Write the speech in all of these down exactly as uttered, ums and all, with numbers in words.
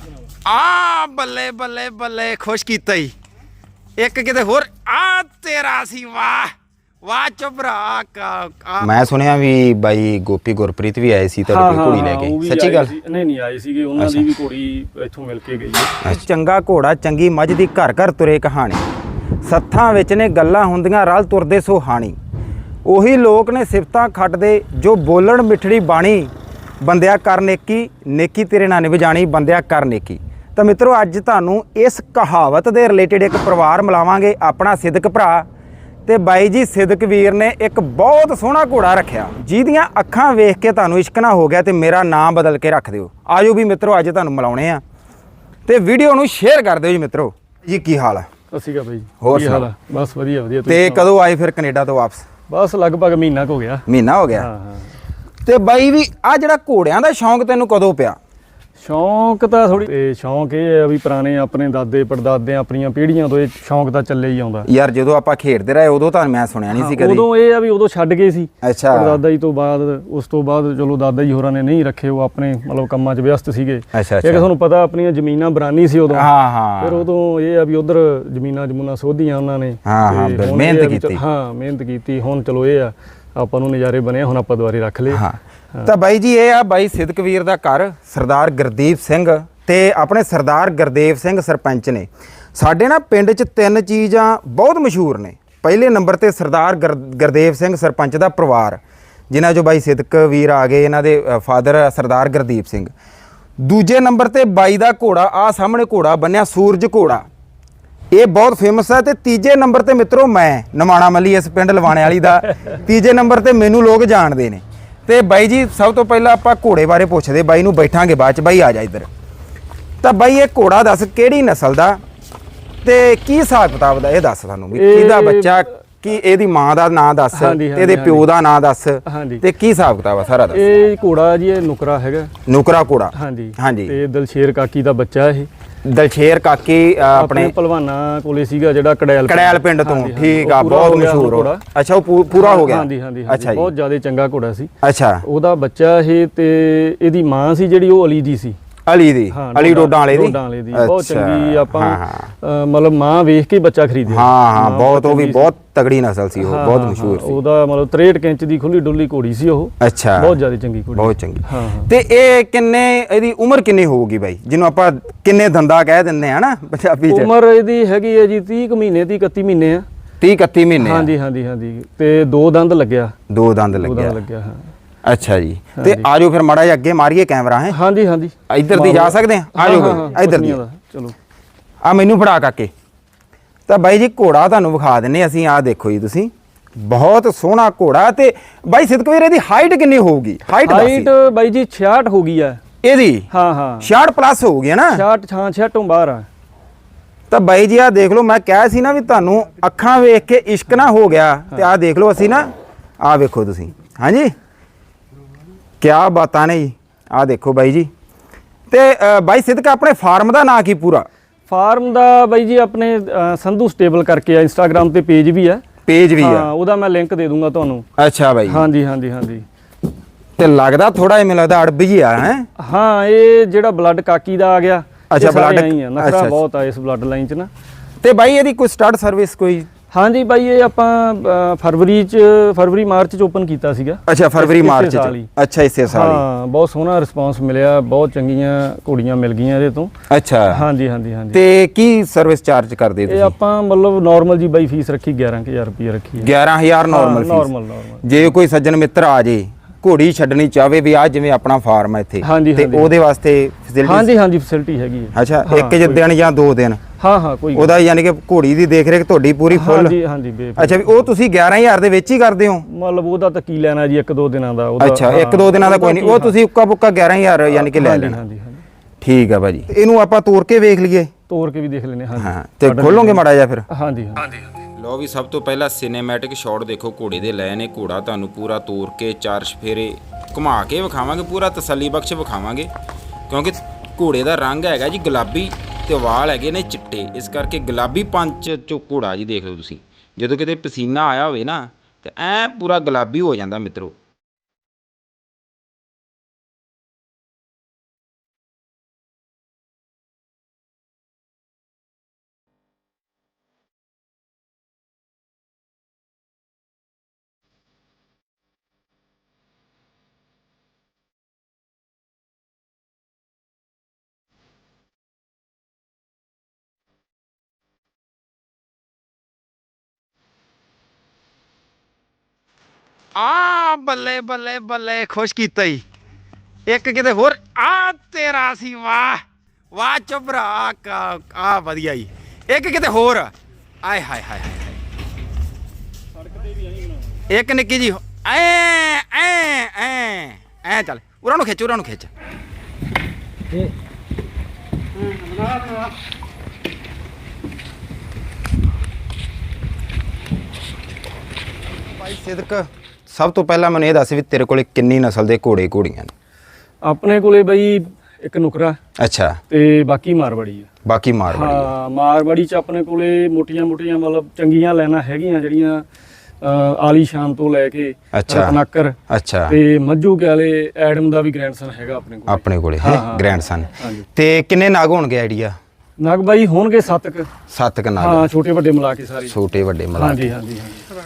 ਆ ਬੱਲੇ ਬੱਲੇ ਬੱਲੇ ਖੁਸ਼ ਕੀਤਾ ਹੀ ਇੱਕ ਕਿਤੇ ਹੋਰ ਆ ਤੇਰਾ ਸੀ ਵਾਹ ਵਾਹ ਚੁਬਰਾ ਕਾ ਮੈਂ ਸੁਣਿਆ ਵੀ ਬਾਈ ਗੋਪੀ ਗੁਰਪ੍ਰੀਤ ਵੀ ਆਏ ਸੀ ਤੁਹਾਡੇ ਕੋਲ ਘੋੜੀ ਲੈ ਕੇ ਸੱਚੀ ਗੱਲ ਨਹੀਂ ਨਹੀਂ ਆਏ ਸੀਗੇ ਉਹਨਾਂ ਦੀ ਵੀ ਘੋੜੀ ਇੱਥੋਂ ਮਿਲ ਕੇ ਗਈ ਹੈ ਚੰਗਾ ਘੋੜਾ ਚੰਗੀ ਮੱਝ ਦੀ ਘਰ ਘਰ ਤੁਰੇ ਕਹਾਣੀ ਸੱਥਾਂ ਵਿੱਚ ਨੇ ਗੱਲਾਂ ਹੁੰਦੀਆਂ ਰਲ ਤੁਰਦੇ ਸੋ ਹਾਣੀ ਉਹੀ ਲੋਕ ਨੇ ਸਿਫਤਾਂ ਖੱਟਦੇ ਜੋ ਬੋਲਣ ਮਿੱਠੜੀ ਬਾਣੀ ਬੰਦਿਆ ਕਰ ਨੇਕੀ ਨੇਕੀ ਤੇਰੇ ਨਾਲ ਨਿਭ ਜਾਣੀ ਬੰਦਿਆ ਕਰ ਨੇਕੀ। ਤਾਂ ਮਿੱਤਰੋ ਅੱਜ ਤੁਹਾਨੂੰ ਇਸ ਕਹਾਵਤ ਦੇ ਰਿਲੇਟਡ ਇੱਕ ਪਰਿਵਾਰ ਮਿਲਾਵਾਂਗੇ ਆਪਣਾ ਸਿਦਕ ਭਰਾ ਤੇ ਬਾਈ ਜੀ ਸਿਦਕ ਵੀਰ ਨੇ ਇੱਕ ਬਹੁਤ ਸੋਹਣਾ ਘੋੜਾ ਰੱਖਿਆ ਜਿਹਦੀਆਂ ਅੱਖਾਂ ਵੇਖ ਕੇ ਤੁਹਾਨੂੰ ਇਸ਼ਕ ਨਾ ਹੋ ਗਿਆ ਤੇ ਮੇਰਾ ਨਾਮ ਬਦਲ ਕੇ ਰੱਖ ਦਿਓ। ਆਜੋ ਵੀ ਮਿੱਤਰੋ ਅੱਜ ਤੁਹਾਨੂੰ ਮਿਲਾਉਣੇ ਆ ਤੇ ਵੀਡੀਓ ਨੂੰ ਸ਼ੇਅਰ ਕਰ ਦਿਓ ਜੀ ਮਿੱਤਰੋ। ਜੀ ਕੀ ਹਾਲ ਹੈ? ਅਸੀਂ ਕਾ ਬਾਈ ਹੋਰ ਕੀ ਹਾਲ ਹੈ? ਬਸ ਵਧੀਆ ਵਧੀਆ। ਤੇ ਕਦੋਂ ਆਏ ਫਿਰ ਕੈਨੇਡਾ ਤੋਂ ਵਾਪਸ? ਬਸ ਲਗਭਗ ਮਹੀਨਾ ਕੁ ਹੋ ਗਿਆ। ਮਹੀਨਾ ਹੋ ਗਿਆ। ਹਾਂ ਹਾਂ। ਤੇ ਬਾਈ ਵੀ ਆ ਜਿਹੜਾ ਘੋੜਿਆਂ ਦਾ ਸ਼ੌਂਕ ਤੈਨੂੰ ਕਦੋਂ ਪਿਆ? ਸ਼ੌਂਕ ਤਾਂ ਥੋੜੀ ਤੇ ਸ਼ੌਂਕ ਇਹ ਹੈ ਵੀ ਪੁਰਾਣੇ ਆਪਣੇ ਦਾਦੇ ਪੜਦਾਦੇ ਆਪਣੀਆਂ ਪੀੜ੍ਹੀਆਂ ਤੋਂ ਇਹ ਸ਼ੌਂਕ ਤਾਂ ਚੱਲੇ ਹੀ ਆਉਂਦਾ ਯਾਰ। ਜਦੋਂ ਆਪਾਂ ਖੇਡਦੇ ਰਹੇ ਉਦੋਂ ਤਾਂ ਮੈਂ ਸੁਣਿਆ ਨਹੀਂ ਸੀ ਕਦੀ। ਉਦੋਂ ਇਹ ਆ ਵੀ ਉਦੋਂ ਛੱਡ ਗਏ ਸੀ ਅੱਛਾ। ਪੜਦਾਦਾ ਜੀ ਤੋਂ ਬਾਅਦ ਉਸ ਤੋਂ ਬਾਅਦ ਚਲੋ ਦਾਦਾ ਜੀ ਹੋਰਾਂ ਨੇ ਨਹੀਂ ਰੱਖੇ ਉਹ ਆਪਣੇ ਮਤਲਬ ਕੰਮਾਂ 'ਚ ਵਿਅਸਤ ਸੀਗੇ। ਅੱਛਾ ਇੱਕ ਤੁਹਾਨੂੰ ਪਤਾ ਆਪਣੀਆਂ ਜ਼ਮੀਨਾਂ ਬਰਾਨੀ ਸੀ ਉਦੋਂ। ਹਾਂ ਹਾਂ। ਫਿਰ ਉਦੋਂ ਇਹ ਆ ਵੀ ਉਧਰ ਜ਼ਮੀਨਾਂ ਜਮੂਨਾਂ ਸੋਧੀਆਂ ਉਹਨਾਂ ਨੇ। ਹਾਂ ਹਾਂ ਮਿਹਨਤ ਕੀਤੀ। ਹਾਂ ਮਿਹਨਤ ਕੀਤੀ। ਹੁਣ ਚਲੋ ਇਹ ਆ ਆਪਾਂ ਨੂੰ ਨਜ਼ਾਰੇ ਬਣੇ ਹੁਣ ਆਪਾਂ ਦੁਬਾਰੇ ਰੱਖ ਲਏ। ਹਾਂ ਤਾਂ ਬਾਈ ਜੀ ਇਹ ਆ ਬਾਈ ਸਿਦਕ ਵੀਰ ਦਾ ਘਰ ਸਰਦਾਰ ਗੁਰਦੀਪ ਸਿੰਘ ਤੇ ਆਪਣੇ ਸਰਦਾਰ ਗੁਰਦੇਵ ਸਿੰਘ ਸਰਪੰਚ ਨੇ। ਸਾਡੇ ਨਾ ਪਿੰਡ 'ਚ ਤਿੰਨ ਚੀਜ਼ਾਂ ਬਹੁਤ ਮਸ਼ਹੂਰ ਨੇ। ਪਹਿਲੇ ਨੰਬਰ ਤੇ ਸਰਦਾਰ ਗੁਰਦੇਵ ਸਿੰਘ ਸਰਪੰਚ ਦਾ ਪਰਿਵਾਰ ਜਿਨ੍ਹਾਂ 'ਚੋਂ ਬਾਈ ਸਿਦਕ ਵੀਰ ਆ ਗਏ, ਇਹਨਾਂ ਦੇ ਫਾਦਰ ਸਰਦਾਰ ਗੁਰਦੀਪ ਸਿੰਘ। ਦੂਜੇ ਨੰਬਰ ਤੇ ਬਾਈ ਦਾ ਘੋੜਾ ਆ ਸਾਹਮਣੇ ਘੋੜਾ ਬੰਨਿਆ ਸੂਰਜ ਘੋੜਾ, ਇਹ ਬਹੁਤ ਫੇਮਸ ਹੈ। ਤੇ ਤੀਜੇ ਨੰਬਰ ਤੇ ਮਿੱਤਰੋ ਮੈਂ ਨਮਾਣਾ ਮੱਲੀ ਇਸ ਪਿੰਡ ਲਵਾਣੇ ਵਾਲੀ ਦਾ ਤੀਜੇ ਨੰਬਰ ਤੇ ਮੈਨੂੰ ਲੋਕ ਜਾਣਦੇ ਨੇ। ਤੇ ਬਾਈ ਜੀ ਸਭ ਤੋਂ ਪਹਿਲਾਂ ਆਪਾਂ ਘੋੜੇ ਬਾਰੇ ਪੁੱਛਦੇ ਬਾਈ ਨੂੰ, ਬੈਠਾਂਗੇ ਬਾਅਦ ਚ। ਬਾਈ ਆ ਜਾ ਇੱਧਰ। ਤਾਂ ਬਾਈ ਇਹ ਘੋੜਾ ਦੱਸ ਕਿਹੜੀ ਨਸਲ ਦਾ ਤੇ ਕੀ ਹਿਸਾਬ ਕਿਤਾਬ ਦਾ ਇਹ ਦੱਸ ਸਾਨੂੰ ਵੀ ਕਿਹਦਾ ਬੱਚਾ, ਕੀ ਇਹਦੀ ਮਾਂ ਦਾ ਨਾਂ ਦੱਸ, ਇਹਦੇ ਪਿਓ ਦਾ ਨਾਂ ਦੱਸ ਤੇ ਕੀ ਹਿਸਾਬ ਕਿਤਾਬ ਆ ਸਾਰਾ ਦੱਸ। ਇਹ ਘੋੜਾ ਜੀ ਇਹ ਨੁਕਰਾ ਹੈਗਾ। ਨੁਕਰਾ ਘੋੜਾ। ਹਾਂਜੀ ਹਾਂਜੀ। ਤੇ ਦਲਸ਼ੇਰ ਕਾਕੀ ਦਾ ਬੱਚਾ ਇਹ। ਦਲਸ਼ੇਰ ਕਾਕੀ ਆਪਣੇ ਪਹਿਲਵਾਨਾਂ ਕੋਲੇ ਸੀਗਾ ਜਿਹੜਾ ਕੜੈਲ ਕੜੈਲ ਪਿੰਡ ਤੋਂ। ਠੀਕ ਆ, ਬਹੁਤ ਮਸ਼ਹੂਰ ਹੋ। ਅੱਛਾ ਉਹ ਪੂਰਾ ਹੋ ਗਿਆ। ਹਾਂਜੀ ਹਾਂਜੀ। ਅੱਛਾ ਬਹੁਤ ਜ਼ਿਆਦਾ ਚੰਗਾ ਘੋੜਾ ਸੀ। ਅੱਛਾ। ਉਹਦਾ ਬੱਚਾ ਇਹ ਤੇ ਇਹਦੀ ਮਾਂ ਸੀ ਜਿਹੜੀ ਉਹ ਅਲੀ ਦੀ ਸੀ। ਅਲੀ ਦੀ ਅਲੀ ਡੋਡਾਂ ਵਾਲੇ ਦੀ ਡੋਡਾਂ ਵਾਲੇ ਦੀ ਬਹੁਤ ਚੰਗੀ। ਆਪਾਂ ਮਤਲਬ ਮਾਂ ਵੇਖ ਕੇ ਬੱਚਾ ਖਰੀਦਿਆ। ਹਾਂ ਹਾਂ ਬਹੁਤ ਉਹ ਵੀ ਬਹੁਤ ਤਗੜੀ ਨਸਲ ਸੀ ਉਹ, ਬਹੁਤ ਮਸ਼ਹੂਰ ਸੀ। ਉਹਦਾ ਮਤਲਬ ਤਰੇਹਠ ਇੰਚ ਦੀ ਖੁੱਲੀ ਡੁੱਲੀ ਘੋੜੀ ਸੀ ਉਹ। ਅੱਛਾ। ਬਹੁਤ ਜ਼ਿਆਦਾ ਚੰਗੀ ਘੋੜੀ, ਬਹੁਤ ਚੰਗੀ। ਹਾਂ। ਤੇ ਇਹ ਕਿੰਨੇ ਇਹਦੀ ਉਮਰ ਕਿੰਨੀ ਹੋਊਗੀ ਬਾਈ ਜਿਹਨੂੰ ਆਪਾਂ ਕਿੰਨੇ ਦੰਦਾ ਕਹਿ ਦਿੰਦੇ ਆ ਨਾ ਪੰਜਾਬੀ ਚ? ਉਮਰ ਇਹਦੀ ਹੈਗੀ ਹੈ ਜੀ ਤੀਹ ਕੁ ਮਹੀਨੇ ਦੀ ਇਕੱਤੀ ਮਹੀਨੇ ਆ। ਤੀਹ ਇਕੱਤੀ ਮਹੀਨੇ। ਹਾਂਜੀ ਹਾਂਜੀ ਹਾਂਜੀ। ਤੇ ਦੋ ਦੰਦ ਲੱਗਿਆ। ਦੋ ਦੰਦ ਲੱਗਿਆ। ਲੱਗਿਆ ਹਾਂ। ਅੱਛਾ ਜੀ। ਤੇ ਆਜੋ ਫਿਰ ਮਾੜਾ ਜਿਹਾ ਅੱਗੇ ਮਾਰੀਏ ਕੈਮਰਾ। ਹੈ ਹਾਂਜੀ ਹਾਂਜੀ। ਇੱਧਰ ਦੀ ਜਾ ਸਕਦੇ ਆ? ਆਜੋ ਫਿਰ ਇੱਧਰ ਦੀ। ਚਲੋ ਆ ਮੈਨੂੰ ਫੜਾ ਕਾਕੇ। ਤਾਂ ਬਾਈ ਜੀ ਘੋੜਾ ਤੁਹਾਨੂੰ ਵਿਖਾ ਦਿੰਨੇ ਅਸੀਂ। ਆਹ ਦੇਖੋ ਜੀ ਤੁਸੀਂ, ਬਹੁਤ ਸੋਹਣਾ ਘੋੜਾ। ਤੇ ਬਾਈ ਸਿਦਕ ਵੀਰ ਇਹਦੀ ਹਾਈਟ ਕਿੰਨੀ ਹੋਊਗੀ? ਹਾਈਟ ਹਾਈਟ ਬਾਈ ਜੀ ਛਿਆਹਠ ਹੋ ਗਈ ਹੈ ਇਹਦੀ। ਹਾਂ ਹਾਂ ਛਿਆਹਠ ਪਲੱਸ ਹੋਊਗੀ ਨਾ? ਛਿਆਹਠ ਹਾਂ ਛਿਆਹਠੋਂ ਬਾਹਰ ਆ। ਤਾਂ ਬਾਈ ਜੀ ਆਹ ਦੇਖ ਲਓ, ਮੈਂ ਕਿਹਾ ਸੀ ਨਾ ਵੀ ਤੁਹਾਨੂੰ ਅੱਖਾਂ ਵੇਖ ਕੇ ਇਸ਼ਕ ਨਾ ਹੋ ਗਿਆ। ਤੇ ਆਹ ਦੇਖ ਲਓ ਅਸੀਂ ਨਾ, ਆਹ ਵੇਖੋ ਤੁਸੀਂ। ਹਾਂਜੀ ਕਿਆ ਬਾਤਾਂ ਨੇ ਜੀ। ਆਹ ਦੇਖੋ ਬਾਈ ਜੀ। ਤੇ ਬਾਈ ਸਿਦਕ ਆਪਣੇ ਫਾਰਮ ਦਾ ਨਾਂ ਕੀ ਪੂਰਾ? ਫਾਰਮ ਦਾ ਬਾਈ ਜੀ ਆਪਣੇ ਸੰਧੂ ਸਟੇਬਲ ਕਰਕੇ ਆ, ਇੰਸਟਾਗ੍ਰਾਮ ਤੇ ਪੇਜ ਵੀ ਆ। ਪੇਜ ਵੀ ਆ? ਉਹਦਾ ਮੈਂ ਲਿੰਕ ਦੇ ਦੂੰਗਾ ਤੁਹਾਨੂੰ। ਅੱਛਾ ਬਾਈ। ਹਾਂਜੀ ਹਾਂਜੀ ਹਾਂਜੀ। ਤੇ ਲੱਗਦਾ ਥੋੜਾ ਜਿਹਾ ਮੈਨੂੰ ਲੱਗਦਾ ਅੜਬ ਜੀ ਆ। ਹੈ ਹਾਂ ਇਹ ਜਿਹੜਾ ਬਲੱਡ ਕਾਕੀ ਦਾ ਆ ਗਿਆ। ਅੱਛਾ ਬਲੱਡ ਨਖਰਾ ਬਹੁਤ ਆ ਇਸ ਬਲੱਡ ਲਾਈਨ ਚ ਨਾ। ਤੇ ਬਾਈ ਇਹਦੀ ਕੋਈ ਸਟਾਰਟ ਸਰਵਿਸ ਕੋਈ? ਹਾਂਜੀ ਬਾਈ ਇਹ ਆਪਾਂ ਫਰਵਰੀ ਚ ਫਰਵਰੀ ਮਾਰਚ ਚ ਓਪਨ ਕੀਤਾ ਸੀਗਾ। ਅੱਛਾ ਫਰਵਰੀ ਮਾਰਚ ਚ। ਅੱਛਾ ਇਸੇ ਸਾਲ ਹੀ। ਹਾਂ ਬਹੁਤ ਸੋਹਣਾ ਰਿਸਪੌਂਸ ਮਿਲਿਆ, ਬਹੁਤ ਚੰਗੀਆਂ ਘੋੜੀਆਂ ਮਿਲ ਗਈਆਂ ਇਹਦੇ ਤੋਂ। ਅੱਛਾ ਹਾਂਜੀ ਹਾਂਜੀ ਹਾਂਜੀ। ਤੇ ਕੀ ਸਰਵਿਸ ਚਾਰਜ ਕਰਦੇ ਤੁਸੀਂ? ਇਹ ਆਪਾਂ ਮਤਲਬ ਨਾਰਮਲ ਜੀ ਬਾਈ ਫੀਸ ਰੱਖੀ ਗਿਆਰਾਂ ਹਜ਼ਾਰ ਰੁਪਏ ਰੱਖੀ ਹੈ। ਗਿਆਰਾਂ ਹਜ਼ਾਰ ਨਾਰਮਲ ਫੀਸ? Normal normal. ਜੇ ਕੋਈ ਸੱਜਣ ਮਿੱਤਰ ਆ ਜੇ ਘੋੜੀ ਛੱਡਣੀ ਚਾਹਵੇ ਵੀ ਆ ਜਿਵੇਂ ਆਪਣਾ ਫਾਰਮ ਹੈ ਇੱਥੇ, ਤੇ ਉਹਦੇ ਵਾਸਤੇ ਫੈਸਿਲਿਟੀ? ਹਾਂਜੀ ਹਾਂਜੀ ਫੈਸਿਲਿਟੀ ਹੈਗੀ ਹੈ। ਅੱਛਾ ਇੱਕ ਦਿਨ ਜਾਂ ਦੋ ਦਿਨ? ਹਾਂ ਹਾਂ ਕੋਈ ਉਹਦਾ ਯਾਨੀ ਕਿ ਘੋੜੀ ਦੀ ਦੇਖ ਰੇਖ ਤੁਹਾਡੀ ਪੂਰੀ ਫੁੱਲ? ਹਾਂਜੀ ਹਾਂਜੀ। ਅੱਛਾ ਵੀ ਉਹ ਤੁਸੀਂ ਗਿਆਰਾਂ ਹਜ਼ਾਰ ਦੇ ਵਿੱਚ ਹੀ ਕਰਦੇ ਹੋ? ਮਤਲਬ ਉਹਦਾ ਤਾਂ ਕੀ ਲੈਣਾ ਜੀ ਇੱਕ ਦੋ ਦਿਨਾਂ ਦਾ। ਅੱਛਾ ਇੱਕ ਦੋ ਦਿਨਾਂ ਦਾ ਕੋਈ ਨਹੀਂ, ਉਹ ਤੁਸੀਂ ਉੱਕਾ ਬੁੱਕਾ ਗਿਆਰਾਂ ਹਜ਼ਾਰ ਯਾਨੀ ਕਿ ਲੈ ਲੈਣਾ? ਹਾਂਜੀ ਹਾਂਜੀ। ਠੀਕ ਆ ਭਾਜੀ। ਇਹਨੂੰ ਆਪਾਂ ਤੋੜ ਕੇ ਵੇਖ ਲਈਏ? ਤੋੜ ਕੇ ਵੀ ਦੇਖ ਲੈਨੇ। ਹਾਂ ਤੇ ਖੋਲੋਗੇ ਮਾੜਾ ਜਿਹਾ ਫਿਰ? ਹਾਂਜੀ ਹਾਂਜੀ। ਲਓ ਵੀ ਸਭ ਤੋਂ ਪਹਿਲਾਂ ਸਿਨੇਮੈਟਿਕ ਸ਼ਾਟ ਦੇਖੋ ਘੋੜੇ ਦੇ ਲੈ ਨੇ। ਘੋੜਾ ਤੁਹਾਨੂੰ ਪੂਰਾ ਤੋੜ ਕੇ ਚਾਰ ਚਫੇਰੇ ਘੁਮਾ ਕੇ ਵਿਖਾਵਾਂਗੇ, ਪੂਰਾ ਤਸੱਲੀ ਬਖਸ਼ ਵਿਖਾਵਾਂਗੇ ਕਿਉਂਕਿ ਘੋੜੇ ਦਾ ਰੰਗ ਹੈਗਾ ਜੀ ਗੁਲਾਬੀ ਤੇ ਵਾਲ ਹੈਗੇ ਨੇ ਚਿੱਟੇ, ਇਸ ਕਰਕੇ ਗੁਲਾਬੀ ਪੰਚ ਚੋਂ ਘੋੜਾ ਜੀ ਦੇਖ ਲਓ ਤੁਸੀਂ। ਜਦੋਂ ਕਿਤੇ ਪਸੀਨਾ ਆਇਆ ਹੋਵੇ ਨਾ ਤੇ ਐ ਪੂਰਾ ਗੁਲਾਬੀ ਹੋ ਜਾਂਦਾ ਮਿੱਤਰੋ। ਆ ਬੱਲੇ ਬੱਲੇ ਬੱਲੇ ਖੁਸ਼ ਕੀਤਾ ਹੀ ਇੱਕ ਕਿਤੇ ਹੋਰ ਆ ਤੇਰਾ ਸੀ ਵਾਹ ਵਾਹ ਚੁਬਰਾ ਆ ਵਧੀਆ ਜੀ ਇੱਕ ਕਿਤੇ ਹੋਰ ਆਏ ਹਾਏ ਹਾਏ ਇੱਕ ਨਿੱਕੀ ਜੀ ਐ ਐ ਐ ਐ ਚੱਲ ਉਹਨਾਂ ਨੂੰ ਖਿੱਚ ਉਹਨਾਂ ਨੂੰ ਖਿੱਚ ਭਾਈ ਸਿਦਕ ਸਭ ਤੋਂ ਪਹਿਲਾਂ ਮੈਨੂੰ ਇਹ ਦੱਸ ਵੀ ਤੇਰੇ ਕੋਲੇ ਕਿੰਨੀ ਨਸਲ ਦੇ ਘੋੜੇ ਘੋੜੀਆਂ ਨੇ ਆਪਣੇ ਕੋਲੇ ਬਈ ਇੱਕ ਨੁਕਰਾ ਅੱਛਾ ਤੇ ਬਾਕੀ ਮਾਰਵਾੜੀ ਆ ਬਾਕੀ ਮਾਰਵਾੜੀ ਆ। ਹਾਂ ਮਾਰਵਾੜੀ ਚ ਆਪਣੇ ਕੋਲੇ ਮੋਟੀਆਂ ਮੋਟੀਆਂ ਮਤਲਬ ਚੰਗੀਆਂ ਲੈਣਾ ਹੈਗੀਆਂ ਜਿਹੜੀਆਂ ਅਹ, ਆਲੀਸ਼ਾਨ ਤੋਂ ਲੈ ਕੇ ਅੱਛਾ। ਰਤਨਾਕਰ ਅੱਛਾ ਤੇ ਮੱਝੂ ਕਾਲੇ ਐਡਮ ਦਾ ਵੀ ਗ੍ਰੈਂਡਸਨ ਹੈਗਾ ਆਪਣੇ ਕੋਲ ਆਪਣੇ ਕੋਲੇ ਹਾਂ, ਹੈ ਹਾਂ। ਗ੍ਰੈਂਡਸਨ ਹਾਂਜੀ। ਤੇ ਕਿੰਨੇ ਨਾਗ ਹੋਣਗੇ ਆਈਡੀਆ ਨਗ ਬਾਈ ਹੋਣਗੇ ਸੱਤ ਕੁ ਸੱਤ ਕ ਨਾਗ ਹਾਂ ਛੋਟੇ ਵੱਡੇ ਮਿਲਾ ਕੇ ਸਾਰੇ ਛੋਟੇ ਵੱਡੇ ਮਿਲਾ ਕੇ। ਹਾਂਜੀ ਹਾਂਜੀ ਹਾਂਜੀ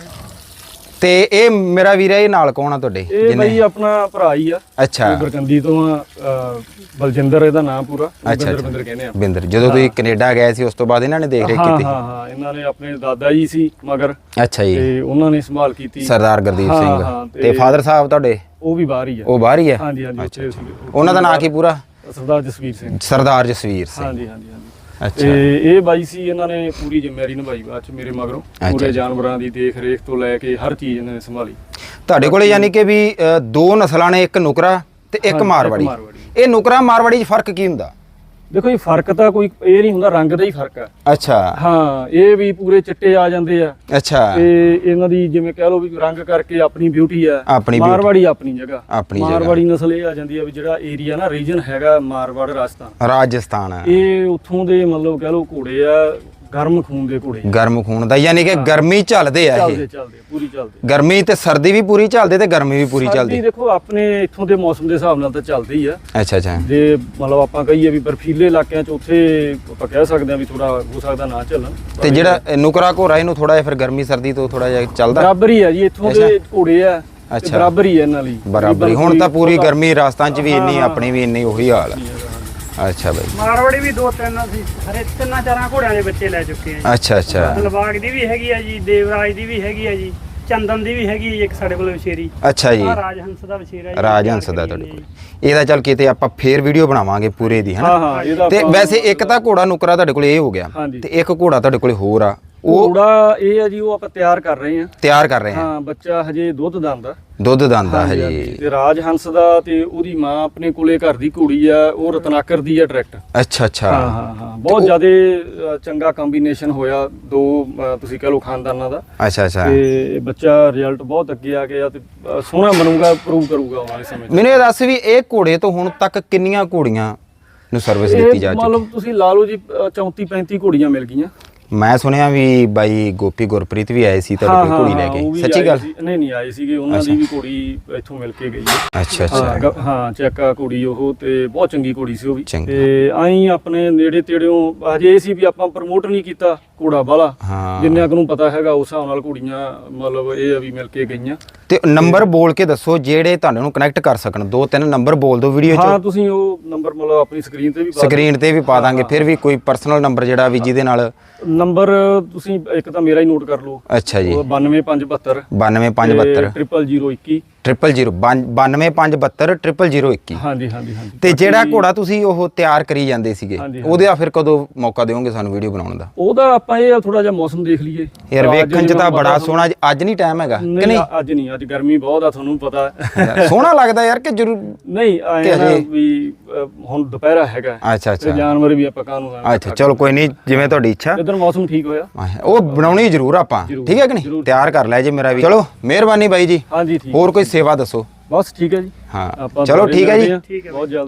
ਤੇ ਇਹ ਮੇਰਾ ਵੀਰ ਹੈ ਇਹ ਨਾਲ ਕੌਣ ਆ ਤੁਹਾਡੇ ਇਹ ਬਈ ਆਪਣਾ ਭਰਾ ਹੀ ਆ ਅੱਛਾ ਇਹ ਬਰਕੰਦੀ ਤੋਂ ਆ ਅਹ, ਬਲਜਿੰਦਰ ਇਹਦਾ ਨਾਮ ਪੂਰਾ ਅੱਛਾ ਬਿੰਦਰ ਬਿੰਦਰ ਕਹਿੰਦੇ ਆ ਬਿੰਦਰ ਜਦੋਂ ਤੁਸੀਂ ਕੈਨੇਡਾ ਗਏ ਸੀ ਉਸ ਤੋਂ ਬਾਅਦ ਇਹਨਾਂ ਨੇ ਦੇਖ ਰੇਖ ਹਾਂ ਕੀਤੀ ਹਾਂ ਹਾਂ ਇਹਨਾਂ ਨੇ ਆਪਣੇ ਦਾਦਾ ਜੀ ਸੀ ਮਗਰ ਅੱਛਾ ਜੀ ਤੇ ਉਹਨਾਂ ਨੇ ਸੰਭਾਲ ਕੀਤੀ ਸਰਦਾਰ ਗੁਰਦੀਪ ਹਾਂ, ਸਿੰਘ ਹਾਂ, ਤੇ- ਤੇ ਫਾਦਰ ਸਾਹਿਬ ਤੁਹਾਡੇ ਉਹ ਵੀ ਬਾਹਰ ਹੀ ਆ ਉਹ ਬਾਹਰ ਹੀ ਹੈ ਹਾਂਜੀ ਹਾਂਜੀ ਉੱਥੇ ਸੀਗੇ। ਉਹਨਾਂ ਦਾ ਨਾਂ ਕੀ ਪੂਰਾ ਸਰਦਾਰ ਜਸਵੀਰ ਸਿੰਘ ਸਰਦਾਰ ਜਸਵੀਰ ਸਿੰਘ ਹਾਂਜੀ ਹਾਂਜੀ ਹਾਂਜੀ ਅੱਛਾ ਤੇ ਇਹ ਬਾਈ ਸੀ ਇਹਨਾਂ ਨੇ ਪੂਰੀ ਜ਼ਿੰਮੇਵਾਰੀ ਨਿਭਾਈ ਬਾਅਦ ਚ ਮੇਰੇ ਮਗਰੋਂ ਪੂਰੇ ਜਾਨਵਰਾਂ ਦੀ ਦੇਖ ਰੇਖ ਤੋਂ ਲੈ ਕੇ ਹਰ ਚੀਜ਼ ਇਹਨਾਂ ਨੇ ਸੰਭਾਲੀ ਤੁਹਾਡੇ ਕੋਲੇ ਯਾਨੀ ਕਿ ਵੀ ਅ, ਦੋ ਨਸਲਾਂ ਨੇ ਇੱਕ ਨੁਕਰਾ ਤੇ ਇੱਕ ਹਾਂਜੀ, ਮਾਰਵਾੜੀ ਮਾਰਵਾੜੀ। ਇਹ ਨੁਕਰਾ ਮਾਰਵਾੜੀ 'ਚ ਫਰਕ ਕੀ ਹੁੰਦਾ ਦੇਖੋ ਜੀ ਫਰਕ ਤਾਂ ਕੋਈ ਇਹ ਨਹੀਂ ਹੁੰਦਾ ਰੰਗ ਦਾ ਹੀ ਫਰਕ ਆ ਅੱਛਾ ਹਾਂ ਇਹ ਵੀ ਪੂਰੇ ਚਿੱਟੇ ਆ ਜਾਂਦੇ ਆ ਅੱਛਾ ਤੇ ਇਹਨਾਂ ਦੀ ਜਿਵੇਂ ਕਹਿ ਲਓ ਵੀ ਰੰਗ ਕਰਕੇ ਆਪਣੀ ਬਿਊਟੀ ਆ ਆਪਣੀ beauty। ਮਾਰਵਾੜੀ ਆਪਣੀ ਜਗ੍ਹਾ ਆਪਣੀ ਜਗ੍ਹਾ। ਮਾਰਵਾੜੀ ਨਸਲ ਇਹ ਆ ਜਾਂਦੀ ਆ ਵੀ ਜਿਹੜਾ ਏਰੀਆ ਨਾ ਰੀਜਨ ਹੈਗਾ ਮਾਰਵਾੜ ਰਾਜਸਥਾਨ ਰਾਜਸਥਾਨ ਇਹ ਉੱਥੋਂ ਦੇ ਮਤਲਬ ਕਹਿ ਲਓ ਘੋੜੇ ਆ ਗਰਮ ਖੂਨ ਦੇ ਘੋੜੇ ਗਰਮ ਖੂਨ ਦਾ ਯਾਨੀ ਕਿ ਗਰਮੀ ਝੱਲਦੇ ਆ ਇਹ ਚੱਲਦੇ ਚੱਲਦੇ ਪੂਰੀ ਚੱਲਦੇ ਗਰਮੀ ਤੇ ਸਰਦੀ ਵੀ ਪੂਰੀ ਚੱਲਦੇ ਤੇ ਗਰਮੀ ਵੀ ਪੂਰੀ ਸਰਦੀ ਚੱਲਦੀ ਦੇਖੋ ਆਪਣੇ ਇੱਥੋਂ ਦੇ ਮੌਸਮ ਦੇ ਹਿਸਾਬ ਨਾਲ ਤਾਂ ਚੱਲਦੀ ਹੀ ਆ ਅੱਛਾ ਅੱਛਾ ਜੇ ਮਤਲਬ ਆਪਾਂ ਕਹੀਏ ਵੀ ਬਰਫੀਲੇ ਇਲਾਕਿਆਂ 'ਚ ਉੱਥੇ ਆਪਾਂ ਕਹਿ ਸਕਦੇ ਆ ਵੀ ਥੋੜਾ ਹੋ ਸਕਦਾ ਨਾ ਚੱਲਣ ਤੇ ਜਿਹੜਾ ਇਹ ਨੁਕਰਾ ਘੋੜਾ ਇਹਨੂੰ ਥੋੜਾ ਜਿਹਾ ਫਿਰ ਗਰਮੀ ਸਰਦੀ ਤੋਂ ਥੋੜਾ ਜਿਹਾ ਚੱਲਦਾ ਬਰਾਬਰ ਹੀ ਆ ਜੀ ਇੱਥੋਂ ਦੇ ਘੋੜੇ ਆ ਤੇ ਅੱਛਾ। ਬਰਾਬਰ ਹੀ ਆ ਇਹਨਾਂ ਲਈ ਬਰਾਬਰ ਹੁਣ ਤਾਂ ਪੂਰੀ ਗਰਮੀ ਰਾਜਸਥਾਨ 'ਚ ਵੀ ਇੰਨੀ ਹਾਂ, ਆਪਣੀ ਵੀ ਇੰਨੀ ਉਹੀ ਹਾਲ ਆ ਅੱਛਾ ਬਾਈ ਮਾਰਵਾੜੀ ਵੀ ਦੋ ਤਿੰਨ ਅਸੀਂ ਹਰੇ ਤਿੰਨਾਂ ਚਾਰਾਂ ਘੋੜਿਆਂ ਦੇ ਬੱਚੇ ਲੈ ਚੁੱਕੇ ਆ ਅੱਛਾ ਅੱਛਾ ਜੀ ਲਵਾਗ ਦੀ ਵੀ ਹੈਗੀ ਆ ਜੀ ਦੇਵਰਾਜ ਦੀ ਵੀ ਹੈਗੀ ਆ ਜੀ ਚੰਦਨ ਦੀ ਵੀ ਹੈਗੀ ਆ ਜੀ ਇੱਕ ਸਾਡੇ ਕੋਲ ਵਿਸ਼ੇਰੀ ਅੱਛਾ ਜੀ ਆ ਰਾਜਹੰਸ ਦਾ ਵਿਸ਼ੇਰਾ ਜੀ ਰਾਜਹੰਸ ਦਾ ਤੁਹਾਡੇ ਕੋਲ ਇਹਦਾ ਚੱਲ ਕਿਤੇ ਆਪਾਂ ਫੇਰ ਵੀਡੀਓ ਬਣਾਵਾਂਗੇ ਪੂਰੇ ਦੀ ਹਾਂ ਹਨਾ ਹਾਂ ਇਹਦਾ ਤੇ ਆਪਾਂ- ਵੈਸੇ ਇੱਕ ਤਾਂ ਘੋੜਾ ਨੁਕਰਾ ਤੁਹਾਡੇ ਕੋਲ ਇਹ ਹੋ ਗਿਆ ਹਾਂਜੀ। ਤੇ ਇੱਕ ਘੋੜਾ ਤੁਹਾਡੇ ਕੋਲ ਹੋਰ ਆ ਉਹ ਘੋੜਾ ਇਹ ਆ ਜੀ ਉਹ ਆਪਾਂ ਤਿਆਰ ਕਰ ਰਹੇ ਆ ਤਿਆਰ ਕਰ ਰਹੇ ਹਾਂ ਹਾਂ ਬੱਚਾ ਹਜੇ ਦੁੱਧ ਦੰਦਾ ਦੁੱਧ ਦੰਦਾ ਹਜੇ ਤੇ ਰਾਜ ਹੰਸ ਦਾ ਤੇ ਉਹਦੀ ਮਾਂ ਆਪਣੇ ਕੋਲੇ ਘਰ ਦੀ ਘੋੜੀ ਆ ਉਹ ਰਤਨਾਕਰ ਦੀ ਆ ਡਾਇਰੈਕਟ ਅੱਛਾ ਅੱਛਾ ਹਾਂ ਹਾਂ ਹਾਂ ਬਹੁਤ ਜ਼ਿਆਦਾ ਚੰਗਾ ਕੰਬੀਨੇਸ਼ਨ ਹੋਇਆ ਦੋ ਅ, ਤੁਸੀਂ ਕਹ ਲਓ ਖਾਨਦਾਨਾਂ ਦਾ ਅੱਛਾ ਅੱਛਾ ਤੇ ਬੱਚਾ ਰਿਜ਼ਲਟ ਬਹੁਤ ਅੱਗੇ ਆ ਗਿਆ ਤੇ ਅ, ਸੋਹਣਾ ਬਣੂਗਾ ਪ੍ਰੂਵ ਕਰੂਗਾ ਆਉਣ ਵਾਲੇ ਸਮੇਂ 'ਚ ਮੈਨੂੰ ਇਹ ਦੱਸ ਵੀ ਇਹ ਘੋੜੇ ਤੋਂ ਹੁਣ ਤੱਕ ਕਿੰਨੀਆਂ ਘੋੜੀਆਂ ਨੂੰ ਸਰਵਿਸ ਦਿੱਤੀ ਜਾ ਇਹ ਚੁੱਕੀ ਮਤਲਬ ਤੁਸੀਂ ਲਾ ਲਓ ਜੀ ਅ, ਚੌਂਤੀ ਪੈਂਤੀ ਘੋੜੀਆਂ ਮਿਲ ਗਈਆਂ ਮੈਂ ਸੁਣਿਆ ਵੀ ਬਾਈ ਗੋਪੀ ਗੁਰਪ੍ਰੀਤ ਵੀ ਆਏ ਸੀ ਤੁਹਾਡੇ ਕੋਲ ਘੋੜੀ ਲੈ ਉਹ ਕੇ ਵੀ ਸੱਚੀ ਆਏ ਗੱਲ ਸੀ। ਨਹੀਂ ਨਹੀਂ ਆਏ ਸੀਗੇ ਉਹਨਾਂ ਦੀ ਵੀ ਘੋੜੀ ਇੱਥੋਂ ਮਿਲ ਕੇ ਗਈ ਹੈ ਅੱਛਾ ਹਾਂ, ਅੱਛਾ ਗ- ਹਾਂ ਚੈੱਕਾ ਘੋੜੀ ਉਹ ਤੇ ਬਹੁਤ ਚੰਗੀ ਘੋੜੀ ਸੀ ਉਹ ਵੀ ਚੰਗੀ। ਤੇ ਆਈ ਆਪਣੇ ਨੇੜੇ ਤੇੜਿਓਂ ਹਜੇ ਇਹ ਸੀ ਵੀ ਆਪਾਂ ਪ੍ਰਮੋਟ ਨਹੀਂ ਕੀਤਾ ਘੋੜਾ ਵਾਲਾ ਹਾਂ ਜਿੰਨਿਆਂ ਕੁ ਨੂੰ ਪਤਾ ਹੈਗਾ ਉਸ ਹਿਸਾਬ ਨਾਲ ਘੋੜੀਆਂ ਮਤਲਬ ਇਹ ਆ ਵੀ ਮਿਲ ਕੇ ਗਈਆਂ ਤੇ ਨੰਬਰ ਬੋਲ ਕੇ ਦੱਸੋ ਜਿਹੜੇ ਤੁਹਾਨੂੰ ਨੂੰ ਕਨੈਕਟ ਕਰ ਸਕਣ ਦੋ ਤਿੰਨ ਨੰਬਰ ਬੋਲ ਦਿਓ ਵੀਡੀਓ 'ਚ ਹਾਂ ਤੁਸੀਂ ਉਹ ਨੰਬਰ ਮਤਲਬ ਆਪਣੀ ਸਕਰੀਨ ਤੇ ਵੀ ਪਾ ਸਕਰੀਨ ਤੇ ਵੀ ਪਾ ਦਾਂਗੇ ਫਿਰ ਵੀ ਕੋਈ ਪਰਸਨਲ ਨੰਬਰ ਜਿਹੜਾ ਵੀ ਜਿਹਦੇ ਨਾਲ ਨੰਬਰ ਤੁਸੀਂ ਇੱਕ ਤਾਂ ਮੇਰਾ ਹੀ ਨੋਟ ਕਰ ਲਓ ਅੱਛਾ ਜੀ ਉਹ ਬਾਨਵੇਂ ਪੰਜ ਬਹੱਤਰ ਬਾਨਵੇਂ ਪੰਜ ਬਹੱਤਰ ਟ੍ਰਿਪਲ ਜ਼ੀਰੋ ਇੱਕੀ ਟ੍ਰਿਪਲ ਜ਼ੀਰੋ ਬਾਨਵੇਂ ਪੰਜ ਬਹੱਤਰ ਟ੍ਰਿਪਲ ਜ਼ੀਰੋ ਇੱਕੀ ਹਾਂਜੀ ਹਾਂਜੀ ਹਾਂਜੀ ਤੇ ਜਿਹੜਾ ਘੋੜਾ ਤੁਸੀਂ ਉਹ ਤਿਆਰ ਕਰੀ ਜਾਂਦੇ ਸੀਗੇ ਹਾਂਜੀ, ਉਹਦੇ ਆ ਫਿਰ ਕਦੋਂ ਮੌਕਾ ਦਿਓਗੇ ਸਾਨੂੰ ਵੀਡੀਓ ਬਣਾਉਣ ਦਾ ਉਹਦਾ ਆਪਾਂ ਇਹ ਥੋੜਾ ਜਿਹਾ ਮੌਸਮ ਦੇਖ ਲਈਏ ਯਾਰ ਅੱਜ ਵੇਖਣ 'ਚ ਜਿਵੇਂ ਤਾਂ ਪਤਾ ਬੜਾ ਤੁਹਾਨੂੰ- ਸੋਹਣਾ ਅੱਜ ਨਹੀਂ ਟਾਈਮ ਹੈਗਾ ਕਿ ਨਹੀਂ ਨਹੀਂ ਅੱਜ ਨਹੀਂ ਅੱਜ ਗਰਮੀ ਬਹੁਤ ਆ ਤੁਹਾਨੂੰ ਪਤਾ ਹੈ। ਸੋਹਣਾ ਲੱਗਦਾ ਯਾਰ ਕਿ ਜ਼ਰੂਰ ਨਹੀਂ ਆਏ ਕਿ ਨਾ ਹਜੇ- ਵੀ ਅ, ਹੁਣ ਦੁਪਹਿਰਾ ਹੈਗਾ ਅੱਛਾ ਤੇ ਅੱਛਾ ਜਾਨਵਰ ਵੀ ਆਪਾਂ ਕਾਹਨੂੰ ਆਏ ਅੱਛਾ ਚਲੋ ਕੋਈ ਨਹੀਂ ਜਿਵੇਂ ਤੁਹਾਡੀ ਇੱਛਾ ਜਦੋਂ ਮੌਸਮ ਠੀਕ ਹੋਇਆ ਉਹ ਬਣਾਉਣੀ ਜ਼ਰੂਰ ਆਪਾਂ ਜ਼ਰੂਰ, ਠੀਕ ਹੈ ਕਿ ਨਹੀਂ ਜ਼ਰੂਰ। ਤਿਆਰ ਕਰ ਲੈ ਜੇ ਮੇਰਾ ਵੀ ਚਲੋ ਮਿਹਰਬਾਨੀ ਬਾਈ ਜੀ ਹਾਂਜੀ ਠੀਕ ਹੋਰ ਕੋਈ ਸੇਵਾ ਦੱਸੋ ਬਸ ਠੀਕ ਹੈ ਜੀ ਹਾਂ ਆਪਾਂ ਚਲੋ ਦੁਬਾਰੇ ਠੀਕ ਹੈ ਜੀ ਮਿਲਦੇ ਹਾਂ, ਠੀਕ ਹੈ ਬਹੁਤ ਜਲਦ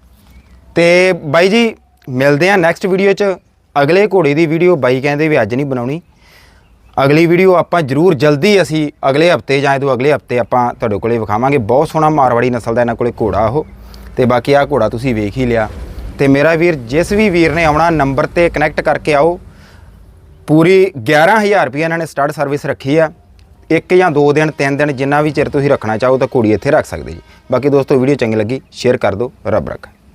ਤੇ ਬਾਈ ਜੀ ਮਿਲਦੇ ਆ ਨੈਕਸਟ ਵੀਡੀਓ 'ਚ ਅਗਲੇ ਘੋੜੇ ਦੀ ਵੀਡੀਓ ਬਾਈ ਕਹਿੰਦੇ ਵੀ ਅੱਜ ਨਹੀਂ ਬਣਾਉਣੀ ਅਗਲੀ ਵੀਡੀਓ ਆਪਾਂ ਜ਼ਰੂਰ ਜਲਦੀ ਅਸੀਂ ਅਗਲੇ ਹਫਤੇ ਜਾਂ ਇਹਦੋਂ ਅਗਲੇ ਹਫਤੇ ਆਪਾਂ ਤੁਹਾਡੇ ਕੋਲੇ ਵਿਖਾਵਾਂਗੇ ਬਹੁਤ ਸੋਹਣਾ ਮਾਰਵਾੜੀ ਨਸਲ ਦਾ ਇਹਨਾਂ ਕੋਲੇ ਘੋੜਾ ਉਹ ਤੇ ਬਾਕੀ ਆਹ ਘੋੜਾ ਤੁਸੀਂ ਵੇਖ ਹੀ ਲਿਆ ਤੇ ਮੇਰਾ ਵੀਰ ਜਿਸ ਵੀ ਵੀਰ ਨੇ ਆਉਣਾ ਨੰਬਰ ਤੇ ਕਨੈਕਟ ਕਰਕੇ ਆਓ ਪੂਰੀ ਗਿਆਰਾਂ ਹਜ਼ਾਰ ਰੁਪਏ ਇਹਨਾਂ ਨੇ ਸਟਾਰਟ ਸਰਵਿਸ ਰੱਖੀ ਆ ਇੱਕ ਜਾਂ ਦੋ ਦਿਨ ਤਿੰਨ ਦਿਨ ਜਿੰਨਾ ਵੀ ਚਿਰ ਤੁਸੀਂ ਰੱਖਣਾ ਚਾਹੋ ਤਾਂ ਘੋੜੀ ਇੱਥੇ ਰੱਖ ਸਕਦੇ ਜੀ ਬਾਕੀ ਦੋਸਤੋ ਵੀਡੀਓ ਚੰਗੀ ਲੱਗੀ ਸ਼ੇਅਰ ਕਰ ਦਿਓ ਰੱਬ ਰੱਖਾ